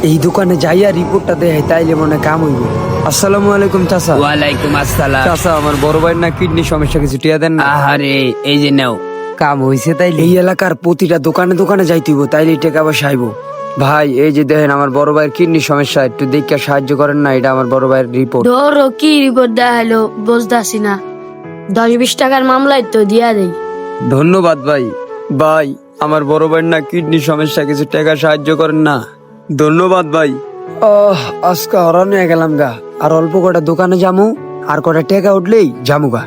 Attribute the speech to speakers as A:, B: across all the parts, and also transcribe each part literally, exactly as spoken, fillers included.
A: এই দোকানে যাইয়া রিপোর্টটা দেয় তাইলে মনে কাম হইব। আসসালামু আলাইকুম চাচা।
B: ওয়ালাইকুম আসসালাম।
A: চাচা আমার বড় ভাইয়ের না কিডনি সমস্যা, কিছু টিয়া দেন না।
B: আহারে এই যে নাও।
A: কাম হইছে তাইলে? এই এলাকার প্রতিটা দোকানে দোকানে যাইতেইব, তাইলে টাকা পয়সা আইব। ভাই এই যে দেখেন আমার বড় ভাইয়ের কিডনি সমস্যা, একটু দেখে সাহায্য করেন না। এটা আমার বড় ভাইয়ের রিপোর্ট।
C: ধরো কি রিপোর্ট দেয়া হলো বুঝতেছি না, দশ বিশ টাকার মামলায় তো দিয়া দেই।
A: ধন্যবাদ ভাই। ভাই আমার বড় ভাইয়ের না কিডনি সমস্যা, কিছু টাকা সাহায্য করেন না। ধন্যবাদ ভাই। ওহ আজকে হরান হয়ে গেলাম গা। আর অল্প কটা দোকানে যামু, আর কটা টাকা উঠলেই যামু গা।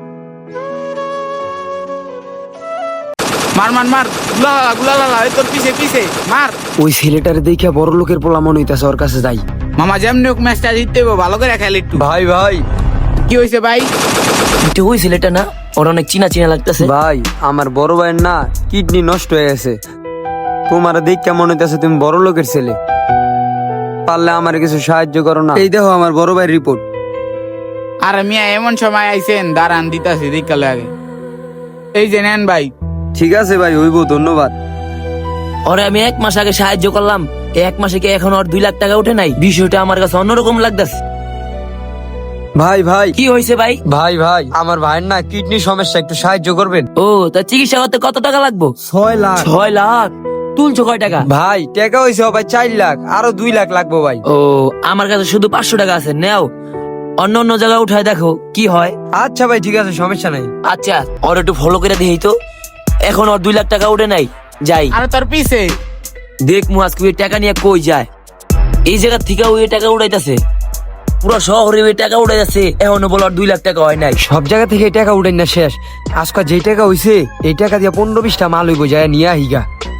D: মার মার মার গুলা গুলা লাগা এই তোর পিছে পিছে মার।
A: ওই ছেলেটারে দেখে বড় লোকের পোলা মনে হইতাছে, ওর কাছে যাই।
D: মামা যেমনি হোক ম্যাচটা জিততে হবে, ভালো করে খেলে একটু।
A: ভাই ভাই
D: কি হয়েছে ভাই?
E: এটা ওই ছেলেটা না? ওর অনেক চিনা চিনা লাগতেছে।
A: ভাই আমার বড় ভাইয়ের না কিডনি নষ্ট হয়ে গেছে। তোমার দেখে মনে হইতাছে তুমি বড় লোকের ছেলে, পারলে আমার কিছু সাহায্য করো না। এই দেখো আমার বড় ভাইয়ের রিপোর্ট।
D: আর মিয়া এমন সময় আইছেন, দাঁড়ান দিতাছি দিকালে আগে। এই যে নেন ভাই।
A: ঠিক আছে ভাই, হইব, ধন্যবাদ।
E: ওরে আমি এক মাস আগে সাহায্য করলাম, এই এক মাসে কি এখন ওর দুই লাখ টাকা উঠে নাই? বিষয়টা আমার কাছে অন্যরকম লাগতেছে।
A: ভাই ভাই
E: কি হয়েছে ভাই?
A: ভাই ভাই আমার ভাইয়ের না কিডনি সমস্যা, একটু সাহায্য করবেন।
E: ও তা চিকিৎসা করতে কত টাকা লাগবে?
A: ছয় লাখ।
E: ছয় লাখ? তুলছো কয় টাকা?
A: ভাই টাকা হয়েছে ভাই চার লাখ, আরো দুই লাখ লাগবো ভাই।
E: ও আমার কাছে শুধু পাঁচশো টাকা আছে, নেও অন্য অন্য জায়গায় উঠায় দেখো কি হয়।
A: আচ্ছা ভাই ঠিক আছে, সমস্যা নাই।
E: আচ্ছা ওর একটু ফলো করে দিই তো। এখন ওর দুই লাখ টাকা উঠে নাই, যাই
D: আর তোর পিছে
E: দেখ মু আজকে ওই টাকা নিয়ে কই যায়। এই জায়গা থেকে ওই টাকা উঠাইতেছে, পুরো শহরে ওই টাকা উঠাইতেছে, এখনো বলো দুই লাখ টাকা হয় নাই।
A: সব জায়গা থেকে এই টাকা উঠাই না শেষ। আজকে যেই টাকা হইছে এই টাকা দিয়ে পনেরো বিশটা মাল হইব, যায় নিয়ে আহিগা।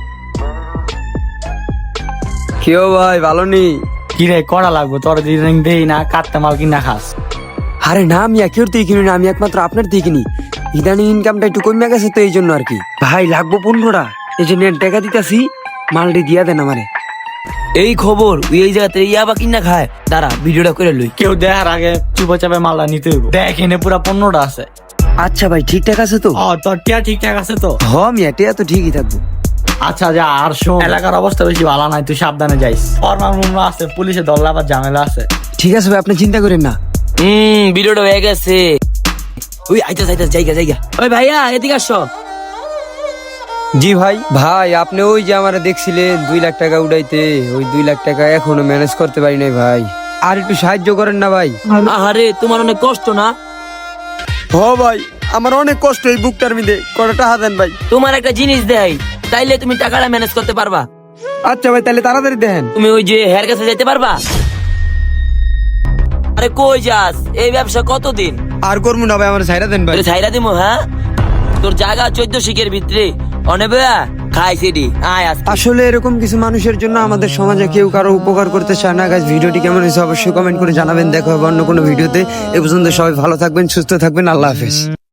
A: কেউ ভাই ভালো নি?
F: কিরে করা লাগবো তোর দিন দেই না, কাটতে মাল কিনা খাস।
A: আরে না মিয়া, কেউ থেকে কিনি না, আমি একমাত্র আপনার থেকে কিনি। ইদানিং ইনকামটা একটু কমে গেছে তো এই জন্য আর কি। ভাই লাগবো পনেরোটা, এই জন্য টাকা দিতেছি, মালটি দিয়া দেন আমারে।
E: এই খবর ওই এই জায়গাতে ইয়াবা কিনা খায়, দাঁড়া ভিডিওটা করে লই।
F: কেউ দেখার আগে চুপা চাপে মালটা নিতে হইব। দেখ এনে পুরা পনেরোটা আছে।
A: আচ্ছা ভাই ঠিকঠাক আছে তো?
F: ও তোর টিয়া ঠিকঠাক আছে তো?
A: হ মিয়া, টিয়া তো ঠিকই থাকবো।
F: আচ্ছা যা, আর শোন এলাকার অবস্থা বেশি ভালো নাই, তুই সাবধানে যাইস। ফরমাল মুমরা আছে, পুলিশে দল্লা আবার ঝামেলা আছে।
A: ঠিক আছে ভাই, আপনি চিন্তা করেন না।
E: হম ভিডিওটা হয়ে গেছে। ওই আইতাস আইতাস জায়গা জায়গা। ওই ভাইয়া এদিকে আসো।
A: জি ভাই। ভাই আপনি ওই যে আমারে দেখছিলেন দুই লাখ টাকা উঠাইতে, ওই দুই লাখ টাকা এখনো ম্যানেজ করতে পারি নাই ভাই, আর একটু সাহায্য করেন না ভাই।
E: আহারে তোমার অনেক কষ্ট না?
A: হ ভাই আমার অনেক কষ্ট এই বুকটার মধ্যে, কটা টাকা দেন ভাই।
E: তোমার একটা জিনিস দেয়, তাইলে তুমি টাকাটা ম্যানেজ করতে পারবা।
A: আচ্ছা ভাই তাহলে তাড়াতাড়ি দেন।
E: তুমি ওই যে হেয়ার কাছে যেতে পারবা? আরে কই যাস? এই ব্যবসা কতদিন?
A: আর করবো না ভাই, আমার ছাইরা দেন ভাই।
E: তোর ছাইরা দিমু, হ্যাঁ? তোর জায়গা চোদ্দ শিখের ভিতরে অনেবে খাইছে ডি আয় আস।
A: আসলে এরকম কিছু মানুষের জন্য আমাদের সমাজে কেউ কারো উপকার করতে চায় না। গাইস ভিডিওটি কেমন হয়েছে অবশ্যই কমেন্ট করে জানাবেন। দেখা হবে অন্য কোনো ভিডিওতে। এ পর্যন্ত সবাই ভালো থাকবেন, সুস্থ থাকবেন, আল্লাহ হাফেজ।